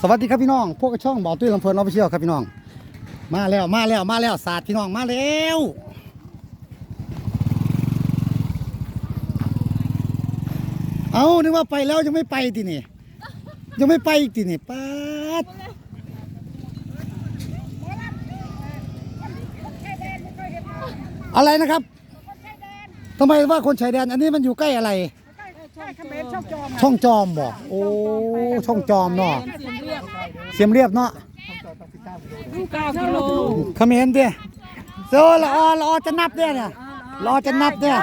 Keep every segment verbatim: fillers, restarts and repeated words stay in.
วัสดีครับพี่น้องพวกช่องบ่อตุ้ยลำเพลินออฟฟิเชียลครับพี่น้องมาแล้วมาแล้วมาแล้วศาสตร์พี่น้องมาแล้วเอานึกว่าไปแล้วยังไม่ไปทีนี่ยังไม่ไปอีกทีนี่ป๊าดอะไรนะครับทำไมว่าคนชายแดนอันนี้มันอยู่ใกล้อะไรช่องจอมบอกโอ้ช่องจอมเนาะเสียมเรียบเนาะเก้ากิโลเขมรเด้โซละอละอจะนับเด้เนี่ยรอจะนับเนี่ย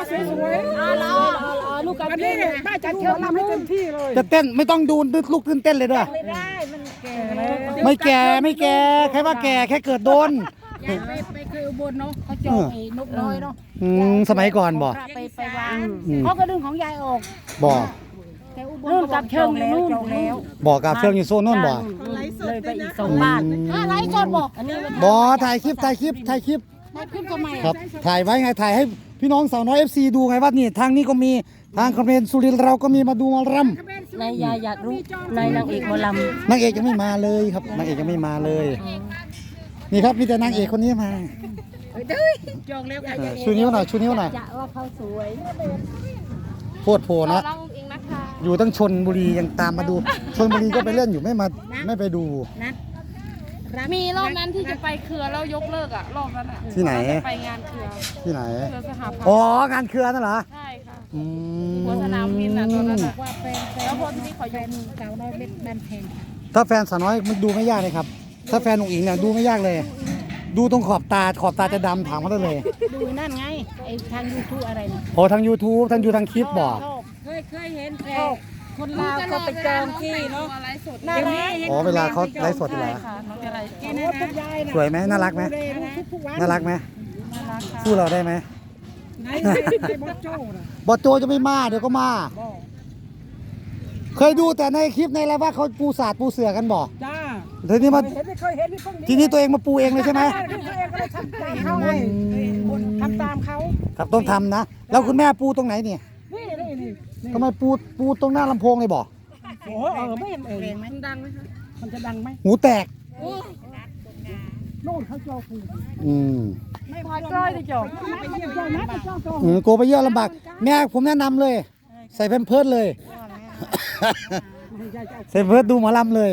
ลูกกันนี่ป้าจัดเชิญทำให้เต็มที่เลยจะเต้นไม่ต้องดูลุกขึ้นเต้นเลยด้วยไม่แก่ไม่แก่แค่ว่าแก่แค่เกิดโดนไปไปเคยอุบลเนาะเขาจองไอ้นกน้อยเนาะสมัยก่อนบ่ไปไปวางเขาก็ดึงของยายออกบ่นู่นกับเชิงอยู่นู่นแล้วบ่กับเชิงอยู่โซนนู่นบ่เลยไปอีกสองบ้านไลฟ์สดบ่อันนี้บ่ถ่ายคลิปถ่ายคลิปถ่ายคลิปขึ้นทำไมครับถ่ายไว้ไงถ่ายให้พี่น้องสาวน้อย เอฟ ซี ดูไงว่านี่ทางนี้ก็มีทางคอมเมนต์สุรินทร์เราก็มีมาดูมารำนายยาอยากรู้นายนางเอกมารำนางเอกยังไม่มาเลยครับนางเอกยังไม่มาเลยนี่ครับมีแต่นางเอกคนนี้มาจองแล้วชูนิ้วหน่อยชูนิ้วหน่อยจะว่าเขาสวยโคตรโผล่นะอยู่ตั้งชลบุรียังตามมาดูชลบุรีก็ไปเล่นอยู่ไม่มาไม่ไปดูมีรอบนั้นที่จะไปเครือแล้วยกเลิกอ่ะรอบนั้นอ่ะที่ไหนไปงานเครือที่ไหนเครือสหพันธ์อ๋องานเครือนั่นเหรอใช่ค่ะหัวสนามบินอ่ะตอนนั้นว่าแฟนแล้วคนที่เขายกเก่าได้เล็กแบนเพลงถ้าแฟนสาวน้อยมันดูไม่ยากเลยครับถ้าแฟนอุ๋งอิงเนี่ยดูไม่ยากเลยดูตรงขอบตาขอบตาจะดำถามเขาได้เลยดูนั่นไงไอ้ทางยูทูบอะไรเนี่ยโอ้ทาง ยูทูบ ทางยูทางคลิปบอกเคยเคยเห็นแพรคนลาวเขาไปจองที่เนาะน่ารักอ๋อเวลาเขาไลฟ์สดเหรอสวยไหมน่ารักไหมน่ารักไหมสู้เราได้ไหมบอโจจะไม่มาเดี๋ยวก็มาเคยดูแต่ในคลิปในอะไรว่าเขาปูศาสตร์ปูเสือกันบอกจ้าทีนี้มาทีนี้ตัวเองมาปูเองเลยใช่ไหมทำตามเขาครับต้องทำนะแล้วคุณแม่ปูตรงไหนเนี่ยทำไมปูปูตรงหน้าลำโพงเลยบอกโอ้เออไม่เห็นเองมันดังไหมคะมันจะดังไหมหูแตกโน่นเขาจอปูอืมไม่พอจ้อยจะจบอืมโกไปเยอะลำบากแม่ผมแนะนำเลยใส่แพมเพิร์สเลยใส่เพิร์สดูหมอลำเลย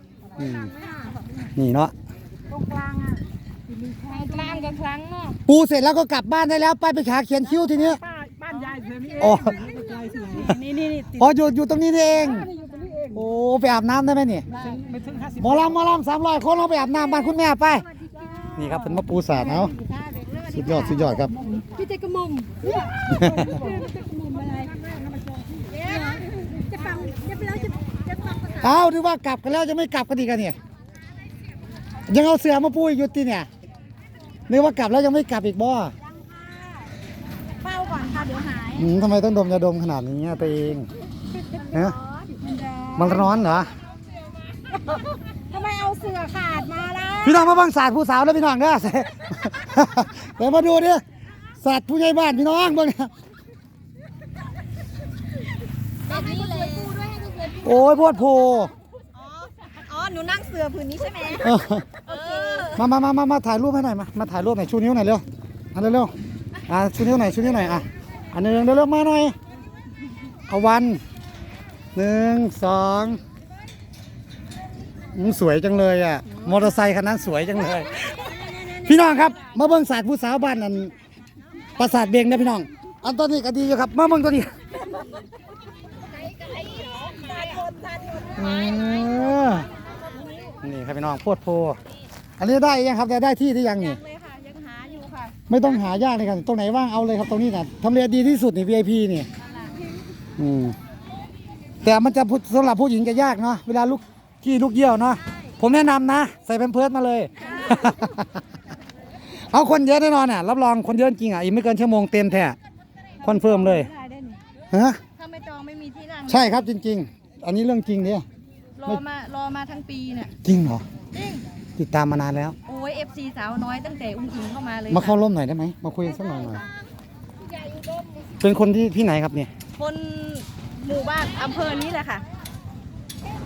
นี่เนาะตรงกลางอ่ะกลางกับครั้งเนาะปูเสร็จแล้วก็กลับบ้านได้แล้วไปไปขาเขียนคิ้วทีนี้บ้านยายเธอนี่เองอ๋อนี่นี่อ๋ออยู่อยู่ตรงนี้เองโอ้ไปอาบน้ำได้ไหมนี่หมอลำหมอลำสามร้อยคนเราไปอาบน้ำบ้านคุณแม่ไปนี่ครับเป็นมะปูสาดเอาสุดยอดสุดยอดครับพี่เจกระมุมจะฟังจะไปแล้วจะจะฟังเอาหรือว่ากลับกันแล้วจะไม่กลับกันดีกันเนี่ยยังเอาเสือมาปูอีกอยู่ตีเนี่ยนึกว่ากลับแล้วยังไม่กลับอีกบ่เฝ้าก่อนค่ะเดี๋ยวหายทำไมต้องดมยาดมขนาดนี้ตัวเองฮะมันร้อนเหรอทำไมเอาเสือขาดมาล่ะพี่น้องมาบังศาสตร์ผู้สาวแล้วพี่น้องเด้อเดี๋ยวมาดูดิศาสตร์ผู้ใหญ่บ้านพี่น้องบ้างแบบนี้เลยโอ้ยโพดโพอ๋อหนูนั่งเสือผืนนี้ใช่ไหมมามามามามาถ่ายรูปให้หน่อยมามาถ่ายรูปหน่อยชูนิ้วหน่อยเร็วอันเร็วอ่ะชูนิ้วหน่อยชูนิ้วหน่อยอ่ะอันหนึ่งเร็วๆมาหน่อยเอาวันหนึ่งสองสวยจังเลยอ่ะมอเตอร์ไซค์คันนั้นสวยจังเลยพี่น้องครับมาเบิ่งศาสตร์ผู้สาวบ้านอันปราสาทเบงนะพี่น้องอันตัวนี้ก็ดีอยู่ครับมาเบิ่งตัวนี้นี่ครับพี่น้องโพดโพอันนี้ได้ยังครับได้ที่ที่ยังนี่ไม่ต้องหายากเลยครับตรงไหนว่างเอาเลยครับตรงนี้นะทำเลดีที่สุดนี่ วี ไอ พี นี่อืมแต่มันจะสำหรับผู้หญิงจะยากเนาะเวลาลูกที่ลูกเยี่ยวเนาะผมแนะนำนะใส่แพมเพิร์สมาเลยเอาคนเยอะแน่นอนอ่ะรับรองคนเยอะจริงอ่ะอีกไม่เกินชั่วโมงเต็มแท้คอนเฟิร์มเลยฮะถ้าไม่จองไม่มีที่นั่งใช่ครับจริงๆอันนี้เรื่องจริงเนี่ยรอมารอมาทั้งปีเนี่ยจริงเหรอจริงติดตามมานานแล้วโอ้ย เอฟ ซี สาวน้อยตั้งแต่อุ้งอิงเข้ามาเลยมาเข้าร่วมหน่อยได้ไหมมาคุยสักหน่อยหน่อยเป็นคนที่ที่ไหนครับเนี่ยคนหมู่บ้านอำเภอนี้แหละค่ะ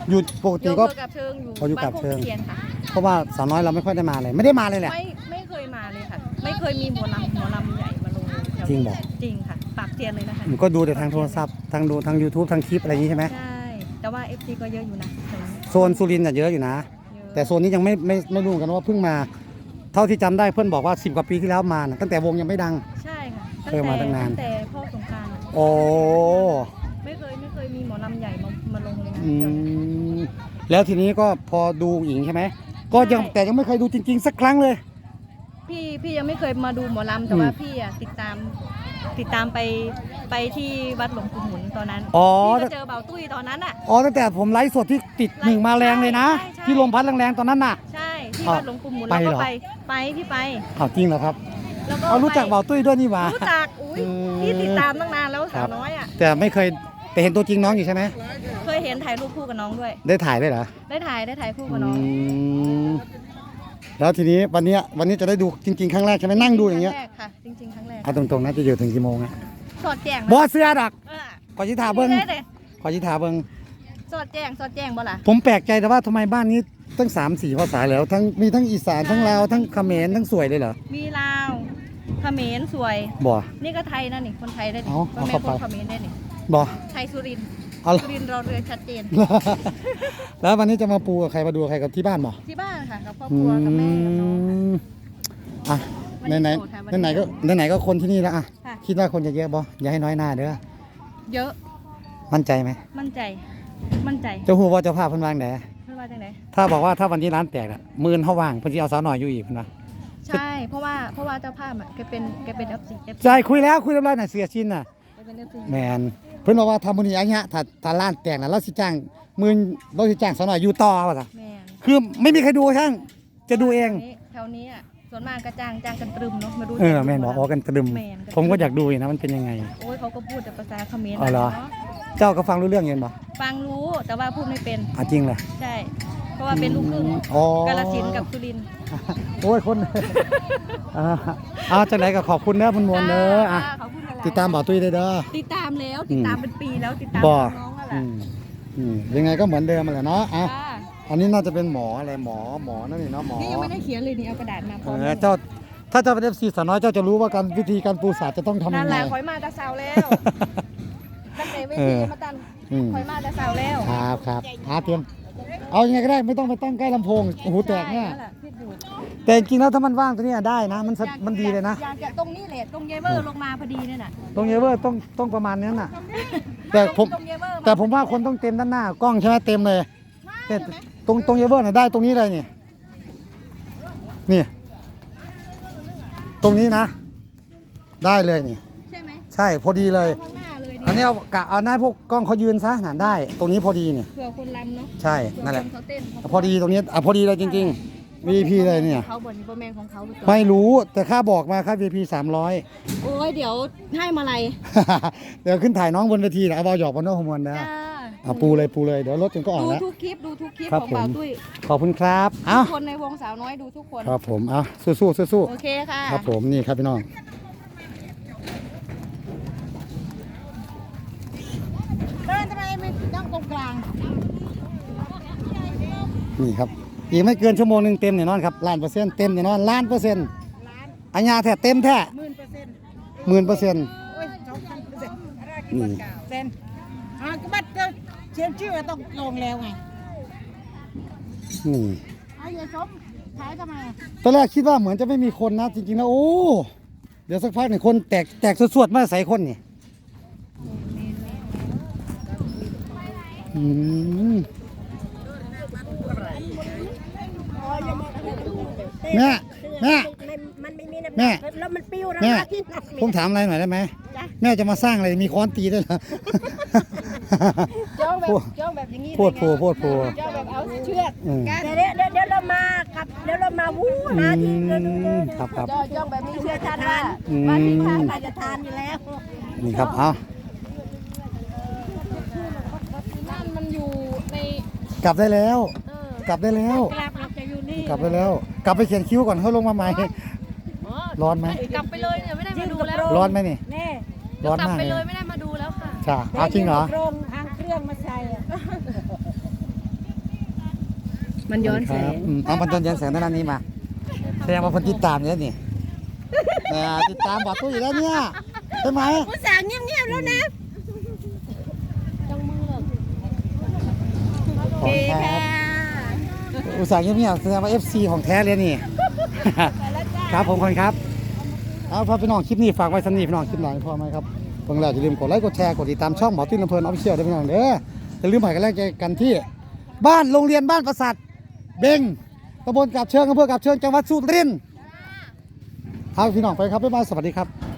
อยู่ปกอติยู่ก็กับเชิงอยู่อ๋ออยู่บ้านกับโคกเชิงตะเคียนค่ะเพราะว่าสาวน้อยเราไม่ค่อยได้มาเลย ไม่ได้มาเลยแหละไม่ไม่เคยมาเลยค่ะ ไม่เคยมีหมอลำหมอลำใหญ่มาลงแถวจริงบอกจริงค่ะปากเซียนเลยนะคะผมก็ดูแต่ทางโทรศัพท์ทางดูทาง YouTube ทางคลิปอะไรอย่างนี้ใช่ไหมใช่ แต่ว่า เอฟ ซี ก็เยอะอยู่นะแถวนี้โซนสุรินทร์น่ะเยอะอยู่นะเยอะแต่โซนนี้ยังไม่ไม่ไม่รู้กันว่าเพิ่งมา เท่าที่จำได้เพื่อนบอกว่าสิบกว่าปีที่แล้วมานะตั้งแต่วงยังไม่ดังใช่ค่ะเคยมาตั้งนานตั้งแต่พ่อสงกรานต์อะโอ้ไม่เคยไม่เคยมีหมอลำใหญ่มามาลงเลยนะอืมแล้วทีนี้ก็พอดูหญิงใช่ไหมก็ยังแต่ยังไม่เคยดูจริง ๆ สักครั้งเลยพี่พี่ยังไม่เคยมาดูหมอลำแต่ว่าอืมพี่อะติดตามติดตามไปไปที่วัดหลวงปู่หมุนตอนนั้นอ๋อพี่ก็เจอเบาตุ้ยตอนนั้นอ่ะอ๋อตั้งแต่ผมไลฟ์สดที่ติดหนึ่งมาแรงเลยนะใช่ใช่ที่ลมพัดแรงๆตอนนั้นน่ะใช่ที่อ๋อวัดหลวงปู่หมุนไปแล้วเหรก็อไปไปพี่ไปอ้าวจริงเหรอครับแล้วก็เอารู้จักไปเบาตุ้ยด้วยนี่หว่ารู้จักอุ้ยอืมพี่ติดตามตั้งนานแล้วครัสาวบน้อยอ่ะแต่ไม่เคยแต่เห็นตัวจริงน้องอยู่ใช่ไหมเคยเห็นถ่ายรูปคู่กับน้องด้วยได้ถ่ายด้วยเหรอได้ถ่ายได้ถ่ายคู่กับน้องอืมแล้วทีนี้วันเนี้ยวันนี้จะได้ดูจริงๆครั้งแรกใช่ไหมนั่งดูอย่างเงี้ยครั้งแรกค่ะจริงๆครั้งแรกเอาตรงๆนะจะอยู่ถึงกี่โมงอะสอดแจ้งบอเสื้อดักเออขอชิถาเบิ้งได้เลยขอชิถาเบิ้งสอดแจ้งสอดแจ้งบ่ล่ะผมแปลกใจแต่ว่าทำไมบ้านนี้ตั้งสามสี่ภาษาแล้วทั้งมีทั้งอีสานทั้งลาวทั้งเขมรทั้งสวยเลยเหรอมีลาวเขมรสวยบ่นี่ก็ไทยนะนี่คนไทยได้นี่เอาพ่อเอาแม่เข้าคไปนเขมรได้นี่บ่ไทยสุรินทร์เอาละสุรินทร์เราเรือชัดเจนแล้ววันนี้จะมาปูกับใครมาดูกับใครกับที่บ้านบ่ที่บ้านค่ะกับครอบอืครัวกับแม่กับน้องมอ่ะวันไหนนี้ไหนโสดค่ะวันนี้ไหนๆก็ไหนๆก็คนที่นี่แล้วอ่ะค่ะคิดว่าคนจะเยอะบ่อย่าให้น้อยหน้าเด้อเยอะมั่นใจไหมมั่นใจ มั่นใจเจ้าฮู้ว่าเจ้าภาพเพิ่นวางไหนไม่ว่าจังไหนถ้าบอกว่าถ้าวันนี้ร้านแตกอ่ะหมื่นเฮาว่างเพิ่นสิเอาสาวหน่อยอยู่อีกเพิ่นว่าใช่ เพราะว่าเพราะว่าเจ้าภาพอ่ะแกเป็นแกเป็น เอฟ ซี เอฟ ซีใช่คุยแล้วคุยเรียบร้อยน่ะเสียชินน่ะแกเป็น เอฟ ซีแมนเพิ่นบอกว่าทำมื้อนี้อันเนี้ยถ้าถ้าร้านแตกน่ะเราสิจ้างหมื่นเราสิจ้างสาวหน่อยอยู่ต่อว่าซะแม่นคือไม่มีใครดูช่างจะดูเองแถวนี้อ่ะส่วนมากกระจ้างจ้างกันตรึมเนาะมาดูเออแม่นบอกอ๋อกันตรึมแม่นผมก็อยากดูอยู่นะมันเป็นยังไงโอ้ยเขาก็พูดแต่ภาษาเขมรอ๋อเหรอเนาะเจ้าก็ฟังรู้เรื่องอยู่บ่ฟังรู้แต่ว่าพูดไม่เป็นอ่ะจริงเหรอใช่ เพราะว่าเป็นลูกครึ่งอ๋อกาฬสินธุ์กับสุรินทร์โอ้ยคน อ่าอ่าจังไหนก็ขอบคุณเด้อคุณมวลเด้ออ่ะค่ะขอบคุณหลยๆติดตามบ่าวตุ้ยได้เด้อติดตามแล้วติดตามเป็นปีแล้วติดตามบ่น้องๆนั่นแหอืละมอืมยังไงก็เหมือนเดิมมาแหละเนาะอ่ะค่ะอันนี้น่าจะเป็นหมออะไรหมอหมอนั่นนี่เนาะหมอนี่ยังไม่ได้เขียนเลยนี่เอากระดาษมาพเอร้อมอเลยเจ้าถ้าเจ้าเป็นเอฟซีสาวน้อยเจ้าจะรู้ว่าการวิธีการปูสาดจะต้องทำนั่ยันงแหไงละคอยมาแต่เสาแล้วตั้งแต่เวเอทีอมาตันอืมคอยมาแต่เสาแล้วครับครับหาเตรียมเอายังไงก็ได้ไม่ต้องไปตั้งใกล้ลำโพงโอ้โหแตกเนี่ยใช่แหละคิดอยู่แต่จริงๆแล้วถ้ามันว่างตัวเนี้ยได้นะ มันสะอยากมันดีเลยนะอยากจะตรงนี้แหละตรงเยเวอร์ลงมาพอดีเนี่ยน่ะตรงเยเวอร์ต้องต้องประมาณนั้นน่ะ แต่ผมตรงเยเวอร์แต่ผมว่าคนต้องเต็มด้านหน้ากล้องใช่ไหมเต็มเลยแต่ตรงตรงเยเวอร์น่ะได้ตรงนี้เลยนี่นี่ตรงนี้นะ ได้เลยนี่ใช่ไหมใช่พอดีเลยข้างหน้าเลยอันนี่นี้เอากะเอาหน้าพวกกล้องเขายืนซะหนาได้ ตรงนี้พอดีเนี่ยเผื่อคนรำเนาะใช่เผื่อนั่นแหละคนเขาเต้นเขาพอดีตรงนี้อ่ะพอดีเลยจริงๆ วี พี เลยเนี่ยเขาบนโปรแมนของเขาหรือเปล่าไม่รู้แต่ค่าบอกมาค่า วี พี สามร้อยโอ้ยเดี๋ยวให้มาลัยเดี๋ยวขึ้นถ่ายน้องบนเวทีนะเอาบอลหยอกบอลโน้ฮอร์โมนนะจ้าเอาปูเลยปูเลยเดี๋ยวรถจนก็ออกดูแล้วทุกคลิปดูทุกคลิปครับของบ่าวผมตุ้ยขอบคุณครับเอ้าทุกคนในวงสาวน้อยดูทุกคนครับผมเอาสู้สู้สู้สู้โอเคค่ะครับผมนี่ครับพี่น้องเดินทำไมไม่ต้องตรงกลางนี่ครับอีกไม่เกินชั่วโมงหนึ่งเต็มแน่นอนครับล้านเปอร์เซ็นต์เต็มแน่นอนล้านเปอร์เซ็นต์ล้านอัญญาแท้เต็มแท้หมื่นเปอร์เซ็นต์หมื่นเปอร์เซ็นต์โอ้ยสองพันเปอร์เซ็นต์อะไรนี่กี่เปอร์เซ็นต์อ่าก็บัตรจะเชียนชื่อต้องลงแล้วไงนี่เอาอย่าชมขายทำไมอ่ะตอนแรกคิดว่าเหมือนจะไม่มีคนนะจริงๆนะโอ้เดี๋ยวสักพักหนึ่งคนแตกแตกสวดๆมาใส่คนนี่อืมแม่แม่มันไม่มีน้ำแม่แล้วมันปิ้วนะแม่ที่หนักผมถามอะไรหน่อยได้ไหมแม่จะมาสร้างอะไรมีค้อนตีด้วยเหรอจ้องแบบพูดจ้องแบบอย่างนี้พูดโผล่พูดโผล่จ้องแบบเอาเชือกอืมเดี๋ยวเดี๋ยวเดี๋ยวเรามาครับเดี๋ยวเรามาวู้อืนะที่เดี๋ยวมเดี๋ยวครับครับจ้องจ้องแบบนี้เชื่อท่านว่าอืมว่าที่ท่านจะทานอยู่แล้วนี่ครับเอานั่นมันอยู่ในกลับได้แล้วเออกลับได้แล้วกลับเราจะอยู่นี่กลับได้แล้ว กลับไปเขียนคิ้วก่อนเขาลงมาใหม่อ๋อร้อนไหมกลับไปเลยเนี่ยไม่ได้มาดูแล้วร้อนไหมนี่แน่ร้อนกลับมากไปเลเลยยไม่ได้มาดูแล้วค่ะจ้าเอาจริงเหรอโรงทางเครื่องมาใส่อะมันย้อนแสครับงอืมเอามันย้อนแสงด้านนี้มาแสดงว่าคนติดตามเนี่ยนี่แหมติดตามบอดตู้อยู่แล้วเนี่ยใช่ไหมผู้สาวเงียบๆแล้วนะขอบคุณครับอุตส่าห์เงียบๆแสดงว่า เอฟ ซี ของแท้เลยนี่ ครับผมคนครับเอาพ่อพี่น้องคลิปนี้ฝากไว้สำนีพี่น้องคลิปหน่อยพ่อไหมครับเพิ่งแล้วอย่าลืมกดไลค์กดแชร์กดติดตามช่องหมอตุ้นลำเพลินออฟฟิเชียลด้วยพี่น้องเด้ออย่าลืมให้กันแรกใจกันที่บ้านโรงเรียนบ้านประสาทเบงตำบลกับเชิงอำเภอกับเชิงจังหวัดสุรินทร์เอาพี่น้องไปครับบ๊ายบายสวัสดีครับ